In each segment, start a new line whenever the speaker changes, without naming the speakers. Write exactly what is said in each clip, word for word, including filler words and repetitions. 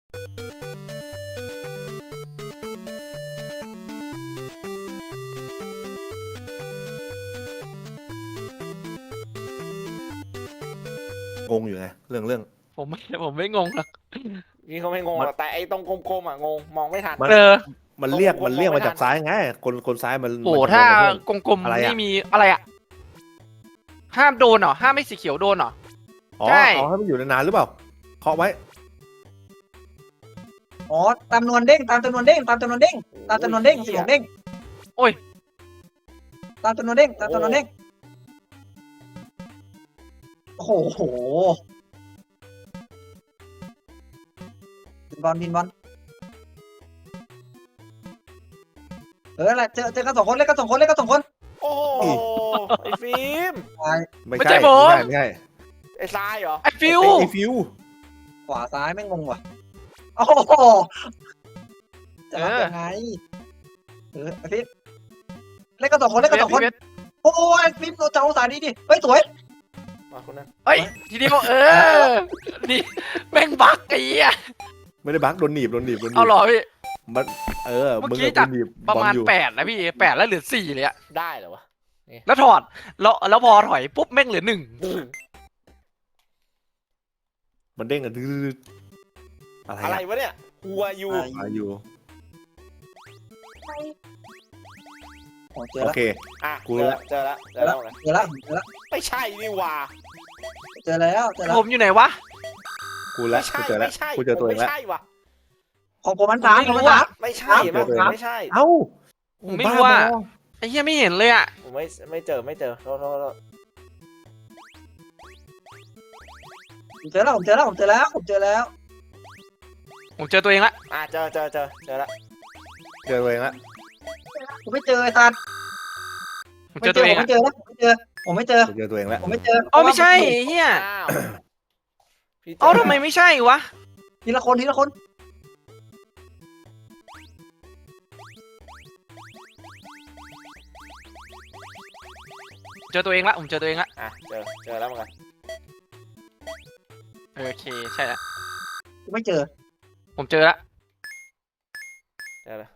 งงอยู่ไงเรื่องเรื่อง
ผมไม่ผมไม่งงหรอก
นี่เขาไม่งงหรอกแต่ไอ้ตรงกลมๆอ่ะงงมองไม่ทัน
เออ
มันเรียกมันเรียกมาจากซ้ายไงคนคนซ้ายมัน
โอ้
มันจะ
ถ้า
โดนกระทืบ
กลม
อะไร
ๆ
อะ
นี่มีอะไรอ่ะห้ามโดนเหรอห้ามไม่สีเขียวโดนเหรอ
อ๋อ
ใช่
เอาให้มันอยู่นานๆหรือเปล่าเคาะไว้
อ๋อตามจำนวนเด้งตามจำนวนเด้งตามจำนวนเด้งตามจำนวนเด้งสมองเด้ง
โอ้ย
ตามจำนวนเด้งตามจำนวนเด้งโอ้โหบินบอลบินบอลเอออะไรเจอเจอกันสองคนเล่นกันสองคนเล่นกันสองคน
โอ้โหไอ้ฟิล์ม
ไม่
ไม่
ใช่
ใช่ผม
ไม่ใช่
ไอ้ทรายเหรอ
ไอ้ฟิว
ไอ้ฟิว
ขวาซ้ายไม่งงว่ะโอ้โหจะรับยังไงเออไอ้ฟิปเล่นกันสองคนเล่นกันสองคนโอ้ยฟิปเราจะเอาสายดีดิเฮ้ยสวย
มาคนนั้น
เฮ้ยทีนี้บอกเออนี่แม่งบักไอ้เหี้ย
ไม่ได้บักโดนหนีบโดนหนีบโดนหนี
เอา
บ
หรอพี่
มันเออ
เมื่อ
มึง
กี้
กับ
จั
โด
ด
นหนีบ
ประมาณ
บอลอยู่
แปดนะพี่แปดแล้วเหลือสี่เลยอะ
ได้เหรอวะ
แล้วถอดแล้วแล้วพอถอยปุ๊บแม่งเหลือหนึ่ง
มันเด้งกันดื้อๆอะไร
อะไร
อะ
วะเนี่ยหัวอยู่
มาอยู่
โอ้เจอ
โอ
แล้ว
เค
อ่ะ
กู
เจอ
ละ
เจอแล้วเจอแล้วไง
เจอแล้วเจอแล้ว
ไม่ใช่นี่หว่า
เจอแล้วเจอแล้ว
ผมอยู่ไหนวะ
กูละ
ไม่ใช่
กูเจอแล้ว
ไม่ใช่
กูเจอตัวเอง
ไม่
แล้ว
ใช่ว่ะ
ของผมมันสาม
ไม่
ของ
รู้
มัน
อะ
สาม
ไม่ใช่
เจอตัวเอง
ไม่ใช่
เอ้า
ผมไม่รู้ว่า
บ้บอ
ไอ้เหี้ยไม่เห็นเลยอะ
ผมไม่ไม่เจอไม่เจอโทษโทษโทษ
ผมเจอแล้วผมเจอแล้วผมเจอแล้วผมเจอแล้ว
ผมเจอตัวเองละ
อ่ะเจอเจอเจอเจอแล้ว
เจอตัวเองละ
ผมไม่เจอไอ้สัตว์
ผมเจอตัวเอง
ผม
อะ
ไม่เจอนะผมไม่เจอผมไม่เจอ
กูเจอตัวเองแล้ว
ผมไม่เจอ
อ๋อไม่ใช่ไอ้เหี้ย
อ้าวพี่เจ
เอ้าทำไมไม่ใช่วะ
ทีละคนทีละคน
เจอตัวเองละผมเจอตัวเองละ
อ่ะเจอเจอแล้วเหมือนกัน
โอเคใช่ละ
ผมไม่เจอ
ผมเจอละ
เจอแล้ว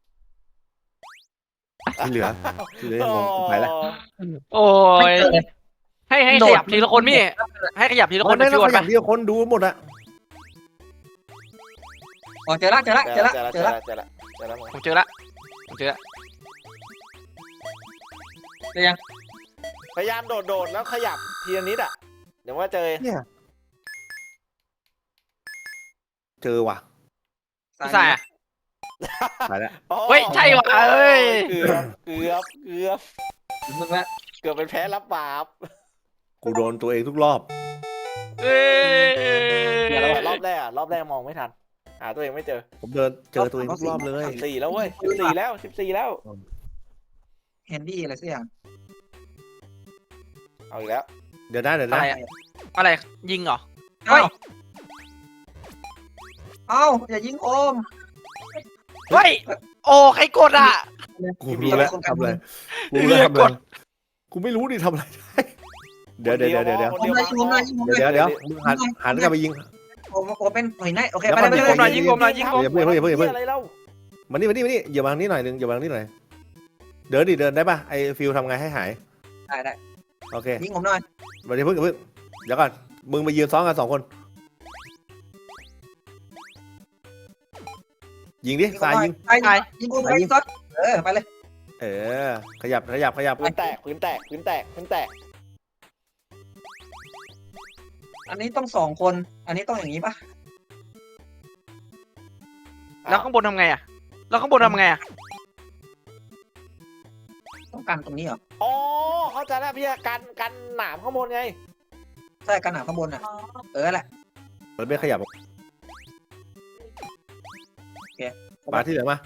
ที่เหลือที่เหลืองงไปแล้ว
โอ้
ไม่
ย
เจอเลย
ให้ให้ขยับทีละคนพี่ให้ขยับทีละคน
ไม่
ใน
ต้
ฟิ
อ
ว
งข
ไป
ยับเดียวคนดูหมดอะ
อ๋อเจอแล้วเจอแล้ว
เจ
เจ
อ
อ
แล้
แล้ว ว
เจ
เจ
อ
อ
แล้
แล้ว ว
เจอแล้วเจอแล้วเหมือน
ผ
กัน
มเจอละผมเจอละ
เจอยัง
พยายามโดดโดดแล้วขยับทีละนิดอ่ะเดี๋ยวว่าเจอ
เนี่ยเจอว่ะ
พี่สายอะ
ไปแล้ว
โอ้
เฮ้ยใช่ว่ะเอ้ย
เกือบเกือบเกือบ
มึงละ
เกือบเป็นแพ้รับบาป
กูโดนตัวเองทุกรอบ
เอ้ย
เดี๋ยวรอบแรกอะรอบแรกมองไม่ทันหาตัวเองไม่เจอ
ผมเดินเจอตัวเองทุกรอบเลย
สิบสี่แล้วเว้ยสิบสี่แล้วสิบสี่แล้ว
เฮนดี้อะไรสักอย่าง
เอาอีกแล้ว
เดี๋ยวได้เดี๋ยว
อะ
ได้
ไรอะอะไรยิงเหรอ
เอ้าเอ้าอย่ายิงโอม
เฮ้ยโอ้ใครกดอ่ะ
กูรู้แล้วทำอะไรกูรู้แล้วทำอะไรกูไม่รู้ดิทำอะไรได้เดี๋ยวเดี๋ยวเดี๋ยวเดี๋ยว
คน
ผม
เดียว
เลยยิงผมเลยยิงผมเลย
เดี๋ยวเดี๋ยวมึงหันหันกลับไปยิง
ผมผมเป็นหน่วยไหนโอเค
แล้ว
ไป
มัน
เลย
มี
ไป
ค
เล
น
ย
ยิงผมหน่อยยิงผมหน่อยยิงผม
อย่าเพิ่งอย่าเพิ่งอย่าเพิ่ง
อะไรเล่า
มานี่มานี่มานี่อย่ามาทางนี้หน่อยนึงอย่ามาทางนี้หน่อยเดินดิเดินได้ป่ะไอฟิลทำไงให้หาย
ได้ได้
โอเค
ยิงผมหน่อย
มาเดี๋ยวเพิ่งอย่าเพิ่งเดี๋ยวก่อนมึงมายืนซ้อนกันสองคนยิงดิสายยิง
ไปไปยิงผมไปยิงซอสเออไปเลย
เออขยับขยับขยับ
พื้นแตกพื้นแตกพื้นแตกพื้นแตก
อันนี้ต้องสองคน อันนี้ต้องอย่างนี้ปะ
แล้วข้างบนทำไงอ่ะแล้วข้างบนทำไงอ่ะ
ต้องกันตรงนี้เหรอ
อ๋อเข้าใจแล้วพี่กันกันหนามข้างบนไง
ใช่กันหนาข้างบนอ่ะเออแหละ
มันไม่ขยับมาที่เหลือมา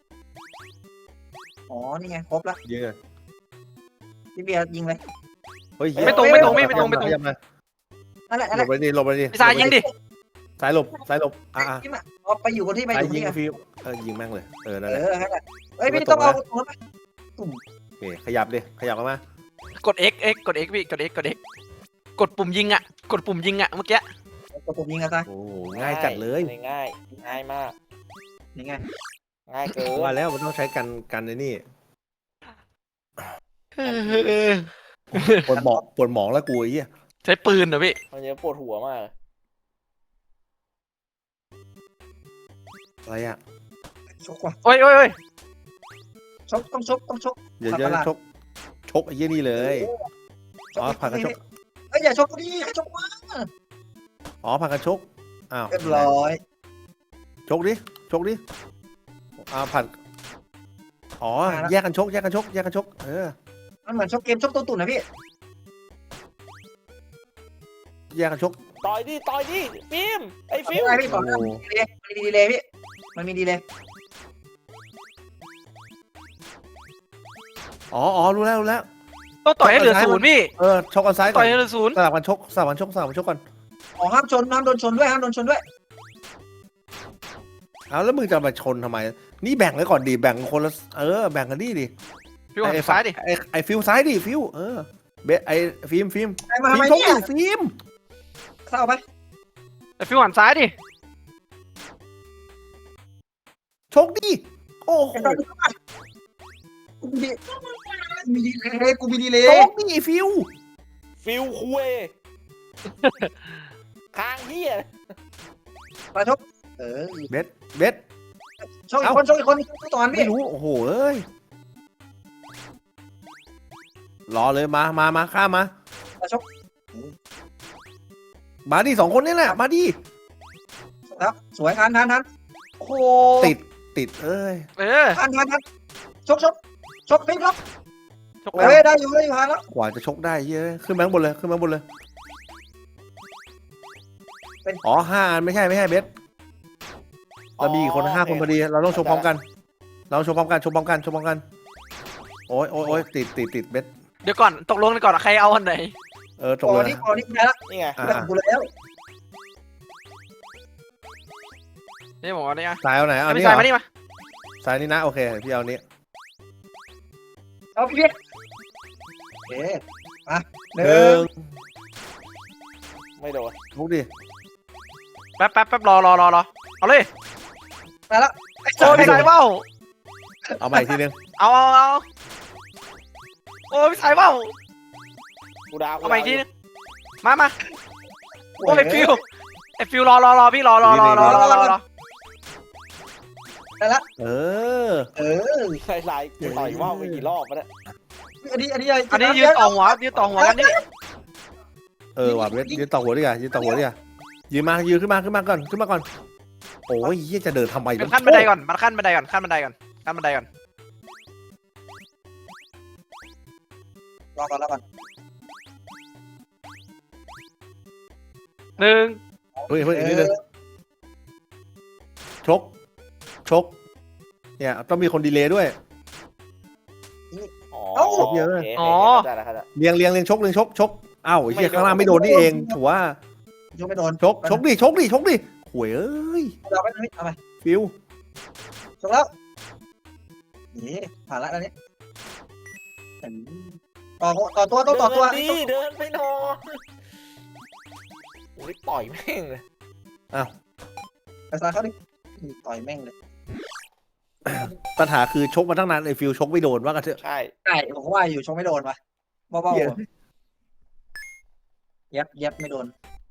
อ๋อนี่ไงครบแล้ว
ยิงเลย
พี่เบียร์ยิงเลย
เฮ้ย
ไม่ตรงไม่ตรงไม่ไม่ตรงไม่ตรง
ขยับมา
นั่นแหละนั่น
ห
แห
ล
ละ
บไปดิหลบไปดิ
พี่สายยิงดิ
สายหลบสายหลบอ่ะอ่ะ
ยิงอ่ะเอาไปอยู่บนที่ไปอ
สาย
ยู่บน
ยิง
ที่
ฟิลเออยิงแม่งเลยเออนั่น
เอ
แหละ
อนั่นแหละเฮ้ยพี่ต้องเอาตรงนั้นไป
โอเคขยับดิขยับกันมาก
ด X X กด X พี่กด X กด X กดปุ่มยิงอ่ะกดปุ่มยิงอ่ะเมื่อกี้
โอเคกดปุ่มยิงกันซะ
โอ้โหง่ายจัดเลย
ง่ายง่ายมาก
นี่ไง
ง่ายเกิน
ว่าแล้วมันต้องใช้กันกันในนี่
เออ
ปวดหมองปวดหมองแล้วกูไอ้เหี้ย
ใช้ปืนเหรอพี่
มันจะปวดหัวมาก
อะไรอ่ะ
ชกว่ะ
โอ้ยโอ้ยโอ้ย
ชกต้องชกต้องชก
เดี๋ยวจะชกชกไอ้เหี้ยนี่เลยอ๋อผักกันชก
เอ้ยอย่าชกกูดิให้ชกวะ
อ๋อผักกันชกอ้าว
เรียบร้อย
ชกดิชกดิอ้าวผัดอ๋อแยกกันชกแยกกันชกแยกกันชกเออ
มันเหมือนชกเกมชกตัวตุ่นนะพี่
แยกกันชก
ต่อยดิต่อยดิฟิล์มไอ้ฟิ
ฟิ
ล์
ว
ม
ไอพี่ก่อนมันมีดีเลยพี่มันมีดีเลย
อ๋ออ๋อรู้แล้วรู้แล้ว
ต้องต่อยให้เหลือศูนย์พี่
เออชกกันซ้ายก่
ต่
อ
อน ยให้เหลือศูนย์
สลับกันชกสลับกันชกสลับกันชกก่อน
อ๋อห้ามชนห้ามโดนชนด้วยห้ามโดนชนด้วย
เอาแล้วมึงจะมาชนทำไม นี่แบ่งไว้ก่อนดิแบ่งคนละเออแบ่งกันดิดิ
พี่หันซ้ายดิ
ไอ้ไอ้ฟิวซ้ายดิฟิวเออเบสไอ้ฟิล์มฟิล์ม
ไอ้มาทำ
ฟิล์
ไม
มชก
เนี่ย
ดิฟิล์ม
เศร้าไป
แต่พี่หันซ้ายดิ
ชกดิโอ้โห
กูมีมีดีเลยกูมีดีเลย
ชกดิฟิว
ฟิลคุยค้างเฮีย
มาชกเออ
เบสเบส
ชกอีกคนชกอีกคนต่อกัน
ไม่
พี่
รู้โอ้โหเอ้ยรอเลยมามามาข้ามมา
มาชก
มาดิสองคนนี่แหละมาดิ
แล้วสวยทันทันทันโอ้โห
ติดติดเอ้ย
เออ
ทันทันทันชกชกชกพี่ชก
ชก
เฮ้ยได้อยู่ได้อยู่ทันแล้ว
กว่าจะชกได้เยอะขึ้นมาข้างบนเลยขึ้นมาข้างบนเลยอ๋อห้าอันไม่ใช่ไม่ใช่เบสเรามีอีกคนห้าคนพอดีเราต้องชกพร้อมกัน เราชกพร้อมกันชกพร้อมกันชกพร้อมกันโอ้ยโอ้ยโอ้ยติดติดติดเบส
เดี๋ยวก่อนตกลงกันก่อนใครเอาอันไหน
เออตก
ก่
เล
อน
ย
นี้ก่อนนี้ได้แล้ว
นี่ไง
อ่า
ได้กูแล้ว
นี่ผมเอาเนี่ย
สายเอาไหนเอา
ไม่
นี่
ใช่
เหร
มา
อ
นี่มา
สายนี้นะโอเคพี่เอานี้
เอาพี่พี่เอ๊ะมาห
ห
นึ่
นึ่
ง
ง
ไม่โดน
ลุกดิ
แป๊บแป๊บแป๊บรอรอรอรอเอาเลย
มาแล้วไอ้
โอ้พี่สายเบ้า
เอาใหม่อีกทีนึง
เอาเอาเอาโอ้พี่สายเบ้า
กูดาว
เอาใหม่อีกทีนึงมามาโอ้ไอฟิวไอฟิวรอรอรอพี่รอรอรอรอรอรอรอ
ได้แล้ว
เออ
เออ
ไล่ไล่กูต่อยว่าวไปกี่รอบแล้ว
อันนี้อันนี้
อันนี้ยืนต่อหัวยืนต่อหัวกันนี่
เออว่ะเบสยืนต่อหัวดิอ่ะยืนต่อหัวดิอ่ะยืนมายืนขึ้นมาขึ้นมาก่อนขึ้นมาก่อนโอ้ยเฮียจะเดินทำไม
เป็นขั้นบันไดก่อนมันขั้นบันไดก่อนขั้นบันไดก่อนขั้นบันไดก่อน
รอก่อนรอก่อน
หนึ่ง
เฮ้ยเฮ้ยอีกนิดนึงชกชกเนี่ยต้องมีคนดีเลย์ด้วย
อ๋อ
เอ้า
โอเคโอเคเข้าใจแล้วเข้าใจ
เลียงเลียงเลียงชกเลียงชกชกอ้าวไอ้เฮียข้างล่างไม่โดนนี่เองถือว่าย
กไม่โดน
ชกชกดิชกดิชกดิหวยเอ้ย
เราไปเอาไป
ฟิว
ชกแล้วนี่ผ่านแล้วอันนี้ต่อต่อตัวต้องต่อตัว
เดินดิเดินไปนอนโอ้ยต่อยแม่งเลย
ไปซ้ายเขาดิต่อยแม่งเลย
ปัญหาคือชกมาตั้งนานไอ้ฟิวชกไม่โดนว่ากันเถอะ
ใช่
ใช่ผมว่าอยู่ชกไม่โดนวะเบา
เหี้ย
ๆเย็บเย็บไม่โดน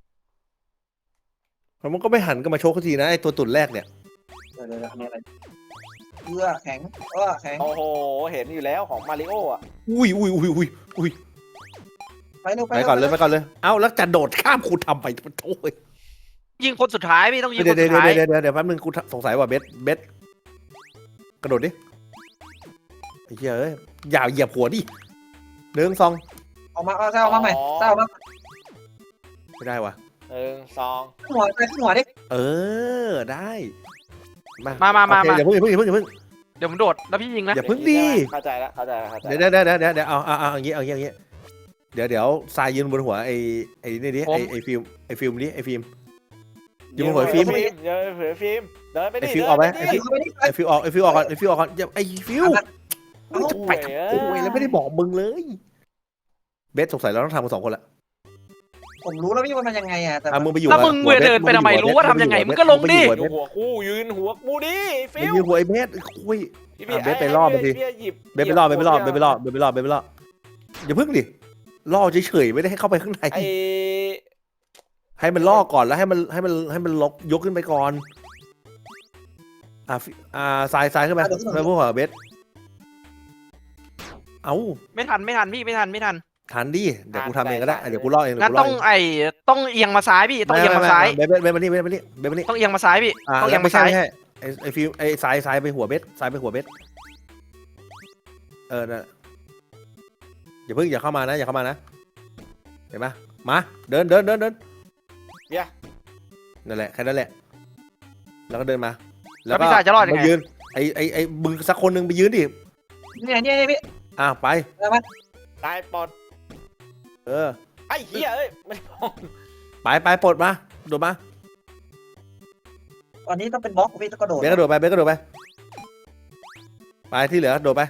มันก็ไม่หันก็มาชกสักทีนะไอ้ตัวตุ่นแรกเนี่ย
เดี๋ยวเดี๋ยวอันนี้อะไรเอื้อแข็งเออแข็ง
โอ้โหเห็นอยู่แล้วของมาริโออ่ะ
อุ้ยอุ้ยอุ้ยอุ้ยอุ้ย
ไปเร็วไป
ไปก่อนเลยไปก่อนเลยเอ้าแล้วจะโดดข้ามคุณทำไปโอ้ย
ยิงคนสุดท้ายพี่ต้องยิงค
เดี๋ยวน เดี๋
สุ
ยว
ดท้าย
เดี๋ยวเดี๋ยวเดี๋ยวแป๊บนึงกูสงสัยว่าเบสเบสกระโดดดิไอ้เหี้ยเอ้ยอย่าเหยียบหัวดิหนึ่งสอง
ออกมาเอาเส้าออกมาใหม่เส้าออกมา
ไม่ได้วะ
หนึ่งสอง
ขึ้นหัวไปขึ้นหัวดิ
เออได้
มามามา
โอเค
มา
อย่าเพิ่งอย่าเพิ่งอย่าเพิ่งอย่าเพิ่ง
เดี๋ยวผมโดดแล้วพี่ยิงนะ
อย่าเพิ่งดี
เข้าใจแล้วเข้าใจแล้วเข้าใจ
เดี๋ยวเดี๋ยวเดี๋ยวเดี๋ยวเดี๋ยวเอาเอาเอาอย่างงี้เอาอย่างงี้เอาอย่างงี้เดี๋ยวเดี๋ยวทรายยืนบนหัวไอ้ไอ้นี่ดิไอ้ไอ้ฟิล์มไอ้ฟิล์มดิไอ้ฟิล์มยืนบนหัวไอ้ฟิล์ม
เดินเผยฟิล์มเดินไปดิ
ไอ้ฟิล์มออกไหม
เดิน
ไอ้ฟิล์ม
เข้าไปดิ
ไอ้ฟิล์มออกไอ้ฟิล์มออกก่อนไอ้ฟิล์มออกก่อนอย่าไอ้ฟิล์ม
โอ้
จะไป
ย
โอ้ยแล้วไม่ได้บอกมึงเลยเบสสงสัยเราต้องทำกันสองคนละ
ผมรู้แล้วพี่ว่ามันยังไงอ่ะแต่
อ่ะมึงไปอยู่
แล้วมึง
หัวบส
เดินไปทำไม
ง
รู้ว่าทำยังไงมึงก็ลงดิ
มึ
อ
ไปอยู่
ยู่หัวกูยืนหัวกูดิฟิ
มึง
ว
อยู่หัวไอ้เบสคุย
พี่
อ่ะเบสไปล่อมันสิ
พี่หยิบ
เบสไปรอบเบสไปรอบเบสไปรอบเบสไปรอบเบสไปรอบอย่าพึ่งดิล่อเฉยๆไม่ได้ให้เข้าไปข้างใน
ไอ้
ให้มันล่อก่อนแล้วให้มันให้มันให้มันลกยกขึ้นไปก่อนอ่าฟิอ่าสายสายขึ้นไปไปพวกหัวเบสเอ้า
ไม่ทันไม่ทันพี่ไม่ทันไม่ทัน
ทันดิเดี๋ยวกูทำเองก็ได้เดี๋ยวกูล่อเองเดี๋
งั้
ยวน กูล่
ต้
อ
อง
เอง
ไอ้ต้องเอียงมาซ้ายพี่ต้องเอียงมาซ้าย
เบสเบสเบสมานี่เบสมานี่เบสมานี่
ต้องเอียงมาซ้ายพี่
อ่า
ต้องเอียง
ไม่
มา
ใช่
ซ้าย
ไม่ใช่ไอ้ไอ้ฟิวไอ้สายสายไปหัวเบสสายไปหัวเบสเออนะอย่าเพิ่งอย่าเข้ามานะอย่าเข้ามานะเห็นไหมมาเดินเดินเดินเดิน
เดี๋ยว
นั่นแหละแค่นั้นแหละ แล้วก็เดินมา
แล้วพี่สายจะรอดยังไง
มายืนไอ้ไอ้ไอ้มึงสักคนหนึ่งไปยืนดิ
เนี่ยเนี่ยพี่
อ่ะไป
แล้วมัน
ตายปอด
เออ
ไอ้เหี้ยเอ้ยไม่พอ
ไปไปปลดมาโดดมา
ตอนนี้ต้องเป็นบล็อกพี่ต้องกระโดด
เบสกระโดดไปเบสกระโดดไปไปที่เหลือโดดไป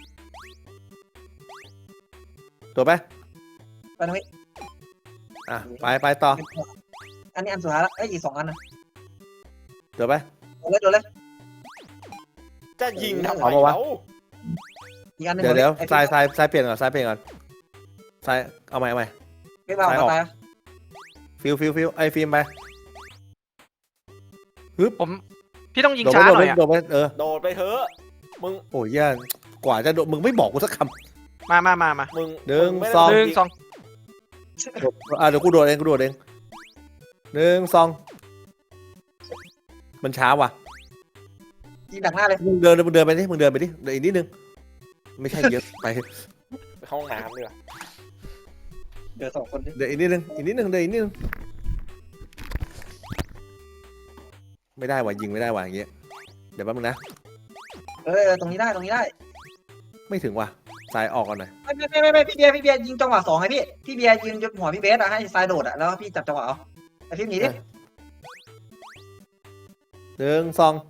โดดไป
ไปนะพี่
อ่ะไปไปต่อ
อันนี้อันสุดท้ายละเอ้ยอีกสองอันนะ
โดดไป
โดดเลยโดดเลย
จะยิงทำไม
เอามาวะ
เขา
อีกอันหนึง
เดี๋ยวเดี๋ยว
ไอ้
ซ้ายซ้ายซ้ายเปลี่ยนก่อนซ้ายเปลี่ยนก่อนซ้ายเอาใหม่เอาใหม่
พี่บ้า
ซ้ายอ
เอา
อก
ตาย
ฟิวฟิวฟิวไอ้ฟิล์มไป
ผมพี่ต้องยิง
โดดไป
ช้า
โดด
หน่
ไป
อยอะ
โดดไปเออ
โดดไปเถอะมึง
โอ้ยแย่กว่าจะโดดมึงไม่บอกกูสักค
มามามามา
มึง
หนึ่ง
มึไม่
สอง
หนึ่งสอง
ำโดดอ่ะเดี๋ยวกูโดดเองกูโดดเองหนึ่งสองมันช้าว่ะ
ยิงดักหน้าเลย
มึงเดินมึงเดินไปดิมึงเดินไปดิเดี๋ยวอีกนิดนึงไม่ใช่เยอะไป
ไปห้องน้ำดีกว่า
เดี๋ยวสองคนดิ
เดี๋ยวอีกนิดนึงอีกนิดนึงเดี๋ยวอีกนิดนึงไม่ได้ว่ะยิงไม่ได้ว่ะอย่างเงี้ยเดี๋ยวแป๊บนึงนะ
เออตรงนี้ได้ตรงนี้ได้
ไม่ถึงว่ะสายออกก่อนหน่อย
ไม่ไม่ไม่ไม่พี่เบียร์พี่เบียร์ยิงจังหวะสองไงพี่พี่เบียร์ยืนยกหัวพี่เบสอะให้ทรายโดดอะแล้วพี่จับจังหวะเอาไอ้พี่หนีดิ
หนึ่งสอง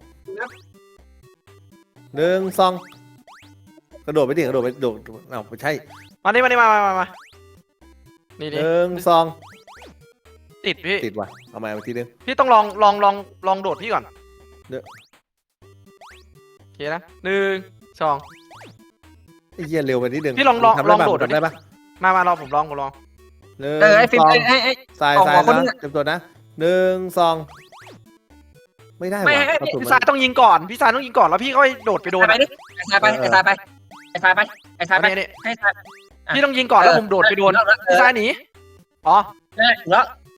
หนึ่งสองกระโดดไปดิกระโดดไปโดดเอ้าไม่ใช่
มานี่มานี่มามามามานี่
ห
นี่
นึ่งสอง
ติดพี่
ติดว่ะเอาใหม่อีกทีนึง
พี่ต้องลองลองลองลองโดดพี่ก่อน
เดี๋ยว
โอเคนะหนึ่งสอง
ไอ้เหี้ยเร็วไปนิดนึง
พี่ลองลอง
ทำ
ลอง
ปะ
โดด
ทำได้ปะ
มามาลองผมลองผมลอง
หนึ่ง
เออไอ้ฟิล์
ส
ม
อง
ไอ้ไอ้
สาย
ออก
สาย
หัวคนนึง
นะ
อะ
เต็มตัวนะหนึ่งสองไม่ได้
ไม่
ว่ะ
ให้
กระสุน
พี่
มั
สาย
น
ต้องยิงก่อนพี่สายต้องยิงก่อนแล้วพี่ค่อยโดดไปโดน
ไป
อะ
ดิไอ้ทรายไปไอ้ทรายไปไอ้ทรายไปไอ้ทรายไป
อันนี้
ให้ทราย
พี่ต้องยิงก่อนแล้วผมโดดไปโดน
เออ
พี่สายหนีอ๋อ
เออแล้ว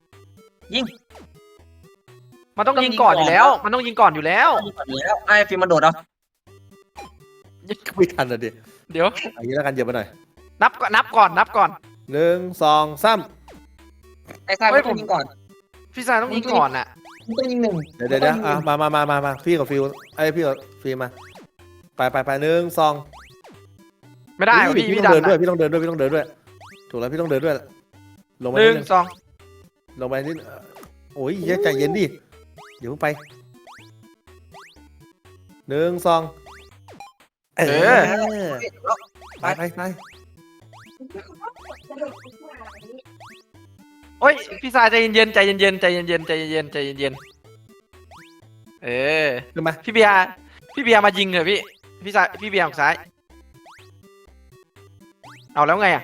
มันต้องยิงก่อนอยู่แล้ว มันต้องยิงก่อนอยู่แล้ว
แล้วไอ้ฟิล์มมันโดดเอา
ไม่ทันอ่ะดิ
เดี๋ยว
เอย่างนี้แล้วกันเหยียบไปหน่อย
นับก่อนนับก่อนนับก่อน
หนึ่งสองสาม
ไอ้ทรายมันต้องยิงก่อน
พี่สายต้องยิงก่อนอ่ะ
มันต้องยิงหนึ่ง
เดี๋ยวเดี๋ยวเดี๋ยวอ่ะมามามามามาพี่กับฟิวไอ้ยพี่กับฟิล์มมาไปไปไปหนึ่งสอง
ไม่ได้
เฮ้ย
พี่
พี่
พี่
ต้
ดั
อง
น
เดินด้วย
อะ
พี่ต้องเดินด้วยพี่ต้องเดินด้วยถูกแล้วพี่ต้องเดินด้วยลงไป
หนึ่
นิ
ง
ดนึง
สอง
ลงไปนิดโอ้ยเหี้ยใจเย็นดิเดี๋ยวเพิ่งไปหนึ่งสองเออไปไปไป
โอ้ยพี่สายใจเย็นๆใจเย็นๆใจเย็นๆใจเย็นๆใจเย็นๆเออ
ขึ้นมา
พี่เบียร์พี่เบียร์มายิงเถอะพี่พี่สายพี่เบียร์ออกซ้ายเอาแล้วไงอ่ะ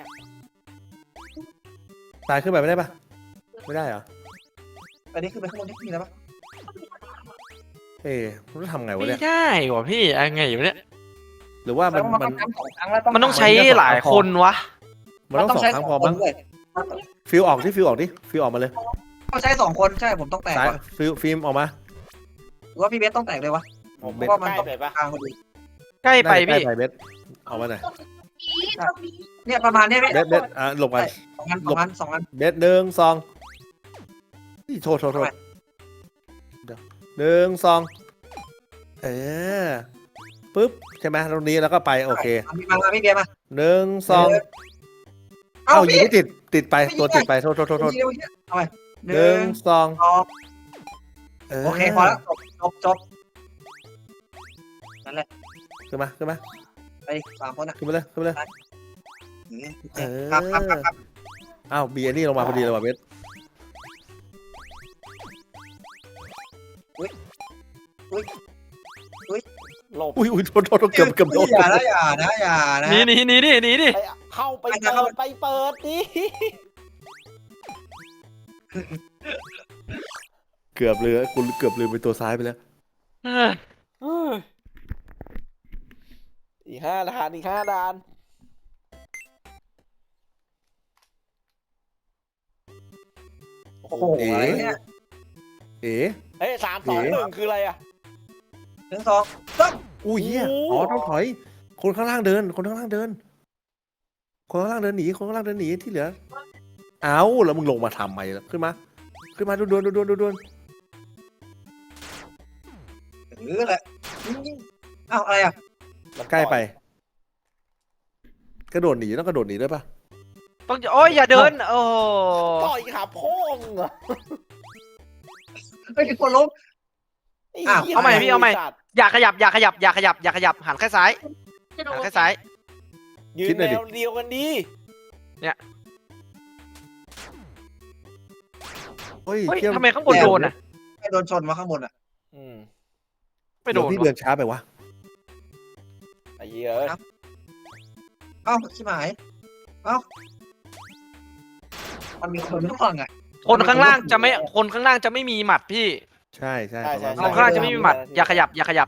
ตายขึ้นไปไม่ได้ปะไม่ได้เหรอ
อันนี้คือไปข้างบนที่มีแล้วปะ
เอ๊ะมันต้องทำไงวะ
ไม่
เนี่ย
ได้วะพี่อะไรไงอยู่เนี่ย
หรือว่ามัน
มัน
มัน
ต้องทำสองครั้งแล้วต้อง
มันต้องใช้หลายคนวะ
มันต้องสองครั้งพอมั้ง
ด้วย
ฟิวออกที่ฟิวออกดิฟิวออกมาเลย
ต้องใช้สองคนใช่ผมต้องแตก
สาย
ก่อน
ฟิวฟิล์มออกมา
หรือว่าพี่เบสต้องแตกเลยวะ
ผม
เบ็ด
ก็
เพราะว่ามัน
ใกล้
ต้อง
ไปปะ
กลางพอดี
ใกล้ไป
ได้
พี่
ไปเบสออกมาหน่อย
เนี่ยประมาณเนี้ยพี่
เบสเบสอ่ะหลบไป
สองอันสองอันสองอัน
เบสหนึ่งสองนี่โทษโทษโทษเดี๋ยวหนึ่งสองเออปึ๊บใช่ไหมตรงนี้แล้วก็ไปโอเค
เอามีมามาพี่เบียร์มา
หนึ่งสอง
เอ้า
เอ้ายิง
พี่
ไม่ติดติดไป
ไม่ยิง
ตัวติดไปโทษโทษโทษโทษ
เอาไปห
ห
นึ่
นึ่
ง
งสอง
สอง
เออ
โอเคพอแล้วจบจบจบนั่นแหละ
ขึ้นมาขึ้นมา
ไปดิสามคนอ่ะ
ขึ้นมาเลยขึ้นมาเลย
อย่างเงี้ย
เออ
ครับครับครับครับ
อ้าวบีอันนี่ลงมาพอดีเลยว่ะเบส
หลบ
อุ้ยอุ้ยโทษโทษโทษเกือบเกือบโดน
อย่านะอย่านะอย่านะ
หนีหนีหนีดิหนีดิ
ไปเข้าไปเปิดไปเปิดดิ
เกือบเลยกูเกือบลืมไปตัวซ้ายไปแล้ว
เออ
เฮ้ยอีกห้าด่านอีกห้าด่าน
โอ้โหอะไรเนี่ย
เอ๋
เอ้ยสามสองหนึ่งคืออะไรอ่ะ
หนึ่งสองสาม
อุ้ยเหี้ย
โอ้โห
อ๋อต้องถอย คนข้างล่างเดิน คนข้างล่างเดิน คนข้างล่างเดินหนีคนข้างล่างเดินหนีที่เหลือ เอาแล้วมึงลงมาทำไมล่ะขึ้นมา ขึ้นมาด่วนด่วนด่วนด่วนด่วน
หรืออะไรอ้าวอะไรอ่ะ
ใกล้ไป กระโดดหนีต้องกระโดดหนีด้วยปะ
ต้องโอ้ยอย่าเดินโอ้โห
ต่อยขาโพ่งเหรอ
ไม่มีคนล้ม อ้าว
เอาใหม่พี่เอาใหม่
สัตว์
อย่าขยับอย่าขยับอย่าขยับอย่าขยับหันแค่ซ้ายหันแค่ซ้าย
ยืนแนวเดียวกันดี
เฮ้ย
เฮ้ย
เที่ยว
ทำไมข้างบนโดนอ่ะ
ไม่โดนชนมาข้างบนอ่ะ
อืม
ไม่โด
เดี๋ยวน พี่เดินช้าไปวะ
ไอ้เหี้ยเอ้ย
เอ้าชิบหายเอ้ามันมีคนร่วงอ่ะ
คนข้างล่างจะไม่คนข้างล่างจะไม่มีหมัดพี่
ใช่ใช่
ใช่ใช่
คนข้างล่างจะไม่มีหมัดอย่าขยับอย่าขยับ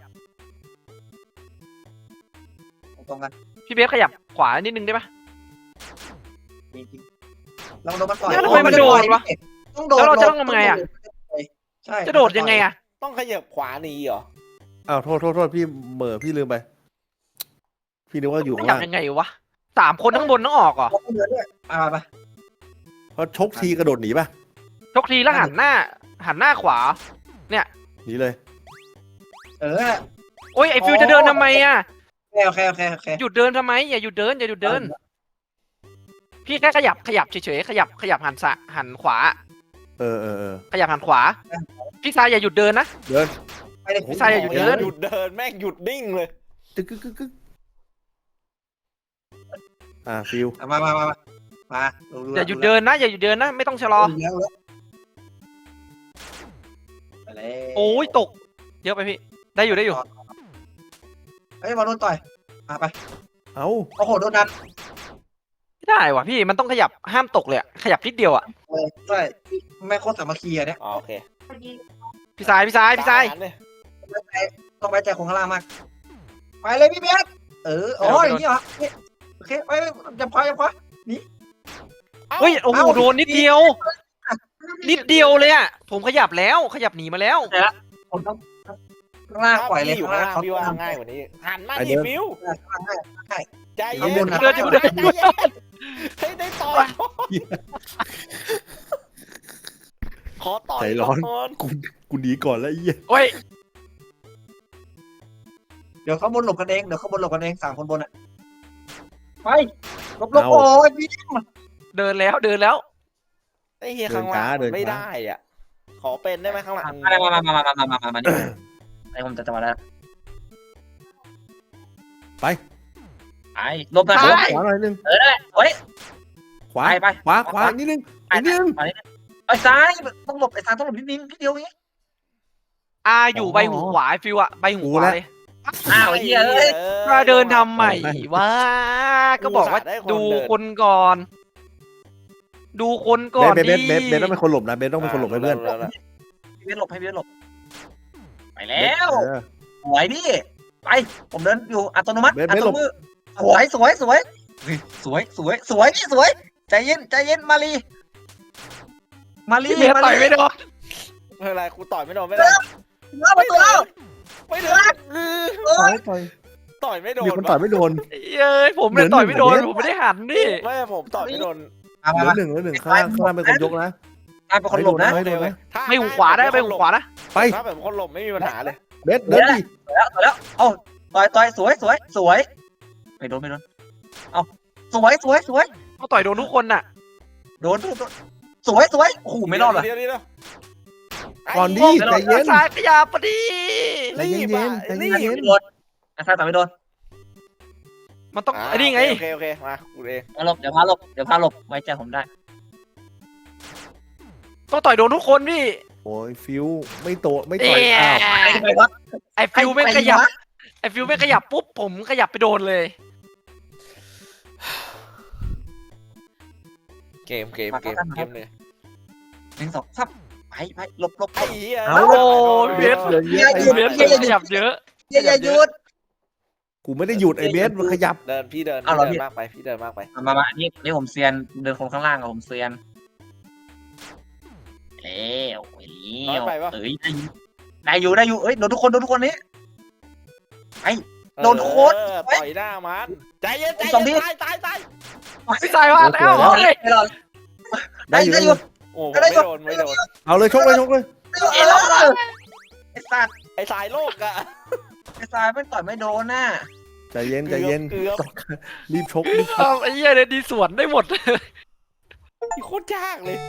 ตรงกัน
พี่เบสขยับขวานิดนึงได้ปะ
จริงๆลองโดนมันปล่อย
แล้วทำไมมันโดนวะ
ต้องโดน
แล้วเราจะต้องทำไงอะ
ใช่
จะโดดยังไงอ่ะ
ต้องขยับขวาหนีเหรอ
อ้าวโทษโทษโทษพี่เหม่อพี่ลืมไป พี่นึกว่าอยู่
ข
ข้าง
ยับ
ล่าง
ยังไงวะสามคนข้างบนต้องออกเหรอ
ต้องเดินด้วยอ่าไป
เพราะชกทีกระโดดหนีป่ะ
ชกทีแล้วหันหน้า หันหน้าขวา
หนีเลย
เออ
โอ้ยไอฟิวจะเดินทำไมอ่ะ
โอเคโอเคโอเค
หยุดเดินทำไมอย่าหยุดเดินอย่าหยุดเดิน พี่แค่ขยับขยับเฉยๆขยับขยับหันสะหันขวา
เออเออเออ
ขยับหันขวา พี่ซายอย่าหยุดเดินนะ
เดิน
ไปเลย
พี่ชายอย่าหยุดเดิน
หยุดเดินแม่งหยุดนิ่งเลย
ตึกกึกกึกกึกอ่าฟิว
มามามามามา
อย่าหยุดเดินนะอย่าหยุดเดินนะไม่ต้องชะลอ
ไปเลย
โอ้ยตก เยอะไปพี่ ได้อยู่ได้อยู่
เฮ้ยมาโดนต่อยมาไป
เอ้า
โอ้โหโดนดัน
ไม่ได้ว่ะพี่มันต้องขยับห้ามตกเลยอะขยับนิดเดียวอ่ะ
เลยใช่ไม่โคตรสามัคคีอะเนี่ย
อ๋อโอเค
พี่ซายพี่ซายพี่ซาย
ด่นเนี่ย
ต้องไว้ใจคนข้างล่างมากไปเลยพี่เบสเออโอ้ยนี่เหรอโอเคไปจับคว้าจับคว้า
เฮ้ยโอ้โหโดนนิดเดียว นิดเดียวเลยอ่ะผมขยับแล้วขยับหนีมาแล้ว
คนต้องข้างล่างปล่อยเลย
ถ้าพี่อยู่
ข้าง
ข้าง
ล่าง
ล่าง
เขา
พี่ว่า
ทำ
ง่ายกว่านี้หันมา
ไอ้
ดิ
เดิม
ฟิว
ข้างล่างให้
ใจเย็
ข้างบ
น
นนะ
เดินจะเดิน
ใจเย็นเฮ้ยได้ต่อยขอต่อย
ใจร้อน
ก่อน
กูกูหนีก่อนแล้วไอ้เหี้ย
โอ้ย
เดี๋ยวเขาบนหลบกันเองเดี๋ยวเขาบนหลบกันเองสามคนบนอ่ะไปหลบหลบโอ้ยพี่
เดินแล้วเดินแล้ว
ไอ้เฮียข้างล่างไม่ได้อ่ะขอเป็นได้ไหมข้างหลัง
มามามามามามามามานี่ไอ้ผมจะจะมาแล้ว
ไป
ไปหลบนะ
ข
หล
วา
บ
ขวาหน่อยนึง
เออได้เฮ้ย
ขวา
ไปไป
ขวาขวานิดนึง
ไป
อีกนิดนึง
ไปไอ้ซ้ายต้องหลบไอ้ซ้ายต้องหลบนิดนึงนิดเดียวงี้
อาอยู่ใบหูขวาไอ้ฟิวอะใบหูขวาเลย
อ้าวเหี้ยเอ้ย
มาเดินทำใหม่วะก็บอกว่าดูคนก่อน ดูคนก่อน
เบสเบ
ดิ
สเบสเบสต้องเป็นคนหลบนะเบสต้องเป็นคนหลบให้เพื่อน
พี่เวทหลบให้พี่เวทหลบไปแล้ว
เออ
สวยพี่ไปผมเดินอยู่อัตโนมัติ
เบส
อั
เบส
ต
หล
โน
บ
มือสวยสวยสวยสวยสวยสวยพี่สวยใจเย็นใจเย็นมาลีมาลี
พี่เบสต่อยไม่โดน
ไม่เป็นไรกูต่อยไม่โดนไม่ได้
เข้าประตูแล้ว
ไม่โดนเออ
ต่อยต่อย
ต่อยไม่โดน
มีคนต่อยไม่โดน
เย้ยผมเนี่ยต่อยไม่โดนผมไม่ได้หันดิ
ไม่ผมต่อยไม่โดน
เหลือหนึ่งเหลือหนึ่งข้างล่างข้างล่างเป็นคนยกนะ
ตายเป็นคนหลบนะ
ไม่โดนนะ
ถ้า
ไม่หูขวาได้ไปหูขวานะ
ไป
ถ้าแบบคนหลบไม่มีปัญหาเลย
เบสเดินดิ
แล้วแล้วเอ้าต่อยต่อยสวยสวยสวยไม่โดนไม่โดนเอ้าสวยสวยสวย
เขาต่อยโดนทุกคนน่ะ
โดนโดนสวยสวยโอ้โหไม่รอดเลย
เดี๋ยวเดี๋ยวเดี๋ยว
ก่อนดิใจเย็น
ซ้ายขยับพอดี
ใจเย็นๆใจเย็น
ไม่โดนไอ้ซ้ายต่อยไม่โดน
มันต้องไอ้นี่ไง
โอเคโอเคมากูเอง
มาหลบเดี๋ยวพาหลบเดี๋ยวพาหลบไว้ใจผมได้
ต้องต่อยโดนทุกคนพี่
โอ้ยฟิวไม่โตไม่ต่อย
เอ๊ะ
อ้าว
ไปวะ
ไอฟิวไม่ขยับไอฟิวไม่ขยับปุ๊บผมขยับไปโดนเลย
เกมเกมเกมเกมเลย
หนึ่งสองซับไปไปหลบหลบ
ไอ้เหี้ย
เอา
โอ้เบส
เหลือเยอะไอ้
เบสขยับเยอะ
อย่าอย่าหยุด
กูไม่ได้หยุดไอ้เบสมันขยับ
เดินพี่เดิน
เอา
พี่
เหรอพี่
เดินมากไปพี่เดินมากไป
มามามานี่นี่ผมเซียนเดินคนข้างล่างกับผมเซียนเอ้วเอ้วเอ้ยได้อยู่ได้อยู่เอ้ยโดนทุกคนโดนทุกคนนี้ โดนโค้ด
เออต่อยหน้ามันใจเย็นใจ
สองที
เย็นตายตายตาย
พี่ชายว่าแล้ว
โอเค
เฮ้ย
ไม่รอด
ได้อยู่
ได้
ได้
อ
อยู่ ยู่
โอ้ผมไม่โดนไม่โดน
เอาเลยชกเลยชกเลย
ไอ้รอดไอ้สัตว์
ไอ้สายโลกอะ
ไอ้สายไม่ต่อยไม่โดนน่ะ
ใจเย็นใจเย็น
เกือบ
รีบชกรีบชก
เอาไอ้เหี้ยเนี่ยดีสวนได้หมด
โคตรยากเลย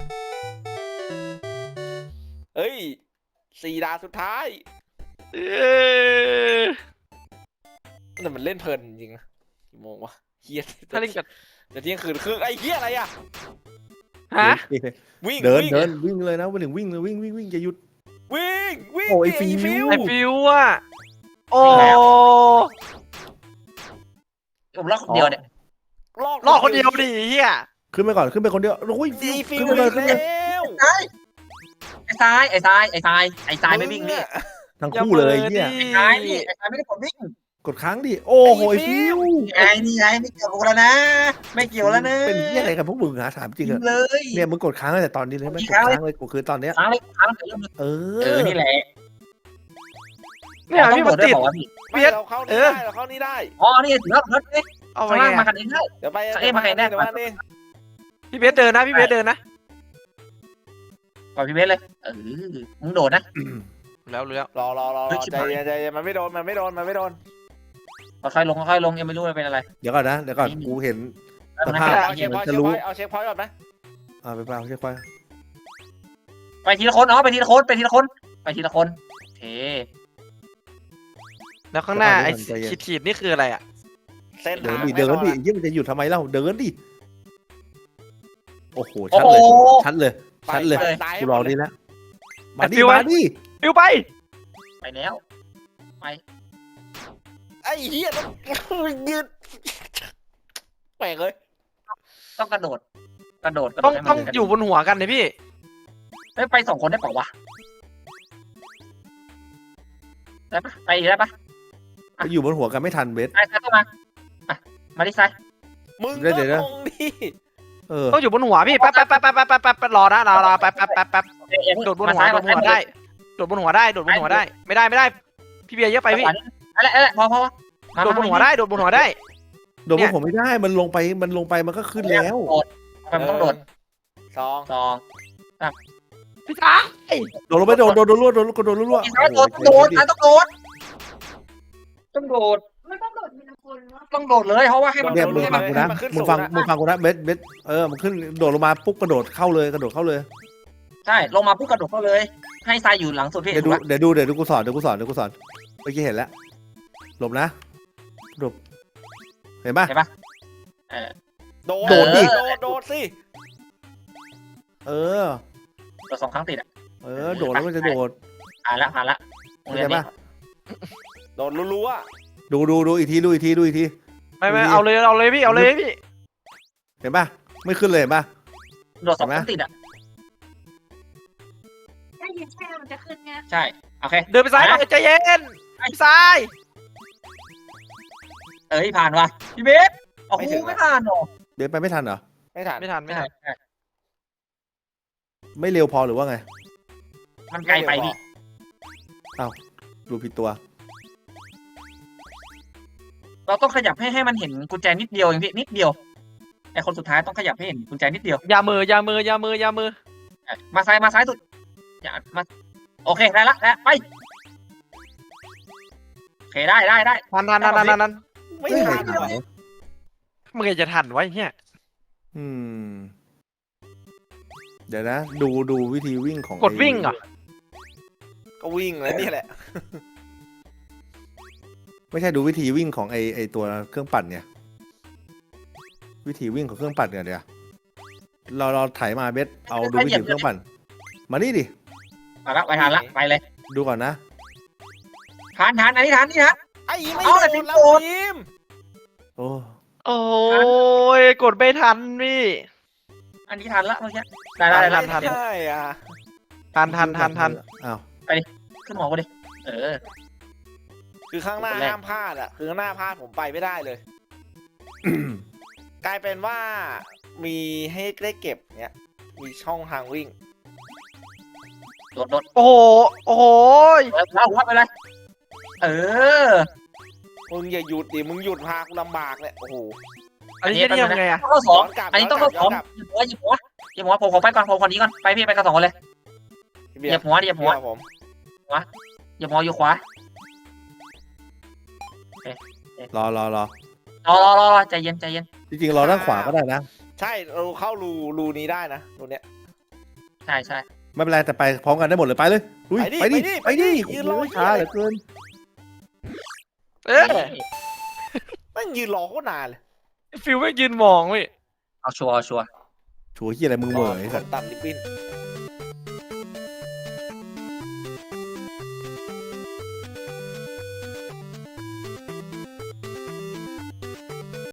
เอ้ยสี่ดาวสุดท้าย
เอ้ย
แต่มันเล่นเพลินจริงๆนะกี่โมงวะเฮีย
ถ้าเล่นกับ
จะเที่ยงคืนครึ่งไอ้เฮียอะไรอะ
ฮะ
วิ่ง
เดิน
วิ่ง
เดินวิ่งเลยนะวันหนึ่งวิ่งเลยวิ่งวิ่งวิ่งอย่าหยุด
วิ่งวิ่ง
โอ้ย
ดิ
ฟิว
ไอฟิวอะโอ้
ผมล็อกเดียวเนี่ย
ลอก
รอดคนเดียวดิเฮีย
ขึ้นไปก่อนขึ้นไปคนเดียวโอ้ย
ดีฟิ
ขึ้
วน
ไปเลย
อีก
ขึ้นไป
แล้ว
ไอ้ทรายไอ้ทรายไอ้ทรายไอ้ทรายไม่วิ่งนี่
ทั้งคู่เลยเนี่ย
ไอ้ทรายนี่ไอ้ทรายไม่ได้กดวิ่ง
กดค้างดิโอ้โหไอ้ฟิว
ไอ้นี่ไงไม่เกี่ยวกับแล้วนะ ไม่เกี่ยวแล้วนะ
เป็นเหี้ยอะไรกันพวกมึงหาถามจริง
ยิ
อะ
งเลย
เนี่ยมึงกดค้างตั้งแต่ตอนนี้เลยไหม
กด
กด
ค้างเลย
ค้างเลยกูคือตอนเนี้ย
ค้างเลยค้างเลยเริ่มเลย
เอ
เออ
อ
นี่แหละ
เนี่ย
ต้อง
พี่
โด
มัน
ดด้วย
ติด
บอกว่าพี่
ไม่เราเข้านี่
เออ
ได้เราเข้านี่ได้
อ๋อนี่ถึงแล้วรถนี่
เอาไป
ข้างล่าง
ไง
มากันเองได้
เดี๋ยวไป
เอ้ยมาใครแน่
เดี๋ยวมานี่
พี่เบสเดินนะพี่เบสเดินนะ
ปล่อยพี่เบสเลยเออมึงโดดนะ
แล้วรู้แล้ว
รอรอรอ
เฮ้ย
ใจเย็นใจเย็นมันไม่โดนมันไม่โดนมันไม่โดน
ค่อยๆลงค่อยๆลงยังไม่รู้ว่าเป็นอะไร
เดี๋ยวก่อนนะเดี๋ยวก่อนกูเห็น สภาพ
เอาเช็คพอยต์
จะรู้
เอาเช็คพอยต์ก่อนไหม
อ่าไปเปล่าใช่ควาย
ไปทีละคนอ๋อไปทีละคนไปทีละคนไปทีละคนโอเค
แล้วข้างหน้าไอ้ขีดขีดๆนี่คืออะไรอ่ะ
เส้น
เดิน
ทาง
ดิ
ไม่
เดิน
รอ
ดิ
ด
ยิ่งมันจะหยุดทำไมเล่าเดินดิโอ้โห
โอ้
ชัด
โห
เลยชัดเลยชัดเลย
ไปตาย
กูรอนี่แล้วมาดิ
ฟิวไว้
มาดิ
ฟิวไป
ไปแล้ว
ไอ้เหี้ยต้องยืดแปลกเลย
ต้องกระโดด กระโดดกระโด
ต้อ
ด
ง
ให้มัน
ต้อง
กระโดด
อยู่บนหัวกันเลยพี่
เฮ้ยไปสองคนได้เปล่าวะได้ปะไปอีกได้ปะ
ไปอยู่บนหัวกันไม่ทันเบส
ไอ้ซ้ายเข้ามาอ่ะมาดิซ้าย
มึง
เดี๋
ก็
ยวเดี๋ยว
ลงดิ
เออ
ต้องอยู่บนหัวพี่แป๊บแป๊บแป๊บแป๊บแป๊บแป๊บแป๊บรอนะรอรอแป๊บแป๊บแป๊บแป๊บ
เอ้ยเอ้ย
โดดบน
มา
หัว
ซ้าย
โด
มา
ดบน
ซ้าย
หัวได้โดดบนหัวได้โดดบนหัวได้ไม่ได้ไม่ได้ พี่เบียร์เยอะไปพี่
อะไรอะไรพอพอมา
โดดบนหัวได้โดดบนหัวได้
โดดบนผมไม่ได้มันลงไปมันลงไปมันก็ขึ้นแล้ว
โดดมันต้องโดด
สอง
สอง
พี่จ๋า
โดดลงไปโดดโดดโดดรั่วโดดโดดรั่ว
อีซ้ายโดดต้องโดดซ้ายต้องโดดต้องโดด
ไม่ต้องโดดทีละคนวะ
ต้องโดดเลยเพราะว่าให้มัน
เนี่ยมึง
ให้
ฟั
มั
ง
น
กูนะมึงฟังมึงฟังกูนะเบสเบสเออมันขึ้นโดดลงมาปุ๊บกระโดดเข้าเลยกระโดดเข้าเลย
ใช่ลงมาปุ๊บกระโดดเข้าเลย ให้ทรายอยู่หลังสุดพี่
เดี๋ยวดูเดี๋ยวดูเดี๋ยวดูกูสอนเดี๋ยวกูสอนเดี๋ยวกูสอนเมื่อกี้เห็นแล้วหลบนะหลบเห็นปะ
โดด
โดดดิ
โดดโดดสิ
เออ
โดดสองครั้งติดอ่ะ
เออโดดแล้วมันจะโดด
ผ่านละผ่านละโรง
เข้า
เรีย
ใจ
นนี้
ปะ
โดดรัว
ดูดูดูอีกทีดูอีกทีดูอีกที
ไม่ไม่เอาเลยเอาเลยพี่เอาเลยพี่
เห็นปะไม่ขึ้นเลยเห็นปะ
โดดสองครั้งติดอ่ะ
ได้ยินใช่ไหมมันจะขึ้นไง
ใช่โอเค
เดินไปซ้ายหน่อยใจเย็นพี่ซ้าย
เอ้ยผ่านว่ะพี่เบสโอ้โหไม่ผ่านหรอ
เดี๋ยวไปไม่ทันเหรอ
ๆไม่ทัน
ไม่ทันไม่ทัน
ไม่เร็วพอหรือว่าไง
มันไกลไปพี่
ดูผิดตัว
เราต้องขยับให้ให้มันเห็นกุญแจนิดเดียวเองพี่นิดเดียวไอคนสุดท้ายต้องขยับให้เห็นกุญแจนิดเดียว
อย่ามืออย่ามืออย่ามืออย่ามือ
มาซ้ายมาซ้ายสุดอย่ามาโอเคได้ละแล้วไปโอเคได้ได้ได้
ทันทันทันทันทันทัน
ไม่
เฮ้ย
ทัน
เหรอ
เมื่อไงจะทันไวะไอ้เนี่ย
อืมเดี๋ยวนะ ดูดูวิธีวิ่งของ
กดวิ่งเหรอ
ก็วิ่งแล้วนี่แหละ
ไม่ใช่ดูวิธีวิ่งของไอไอตัวเครื่องปั่นเนี่ยวิธีวิ่งของเครื่องปั่นเนี่ยเดี๋ยวเราเราถ่ายมาเบสเอาดูวิธีเครื่องปั่น มานี่ดิ
มาละไปทานละไปเลย
ดูก่อนนะ
ทานทานอันนี้ทานนี่ทาน
ไอ้ไม่
เอา
โด
แต่
น
พิมพ์
แล้ว
โดน
พิมพ์
โอ้
โอ้ยกดไม่ทันพี่
อันนี้ทานละเมื่อกี้ได้ได้ได้
ทัน
ใช่อ่ะ
ทันทันทันทัน
อ้าว
ขึ้นหมอกูดิเออ
คือข้างหน้า
คนแรก
ห้ามพลาดอ่ะคือข้างหน้าพลาดผมไปไม่ได้เลย กลายเป็นว่ามีให้ได้เก็บเนี้ยมีช่องทางวิ่ง
โดดโดด
โอ้โหโอ้โห
เออเอาหัวไปเลยเออ
มึงอย่าหยุดดิมึงหยุดพากูลำบากเลยโอ้โห
อันนี้จะทำไงอะ
ต้องเข้าสอง
ย้อนกลับ
อันนี้ต้องเข้าสอง
ย้อนกลับ
หยิบหัวหยิบหัวหยิบหัวผมขอไปก่อนผมคนนี้ก่อนไปพี่ไปกันสองคนเลย
พี่
เห
เบีย
ยียบ
ร์
หัวเหยียบหัว
พี่เบียร์ผม
เหยียบหัวอยู่ขวาร
อรอรอ
รอรอรอรอใจเย็นใจเย็น
จริงๆรอด้านขวาก็ได้นะ
ใช่เราเข้ารูรูนี้ได้นะรูเนี้ย
ใช่ใช่
ไม่เป็นไรแต่ไปพร้อมกันได้หมดเลยไปเลยอุ้ย
ไปดิ
ไปดิ
ไป
ไป
ดิ
ดิ
ยืนรอ
โอ้โหช้าเหลือเกิน
เอ๊ะ
แม่งยืนรอโคตรนานเลย
ฟิวไม่ยืนมองพี่
เอาชัวร์เอาชัวร์
ชัวร์ที่อะไรมึงเหม่อไอ้สัส
ตัดลิปปิ้น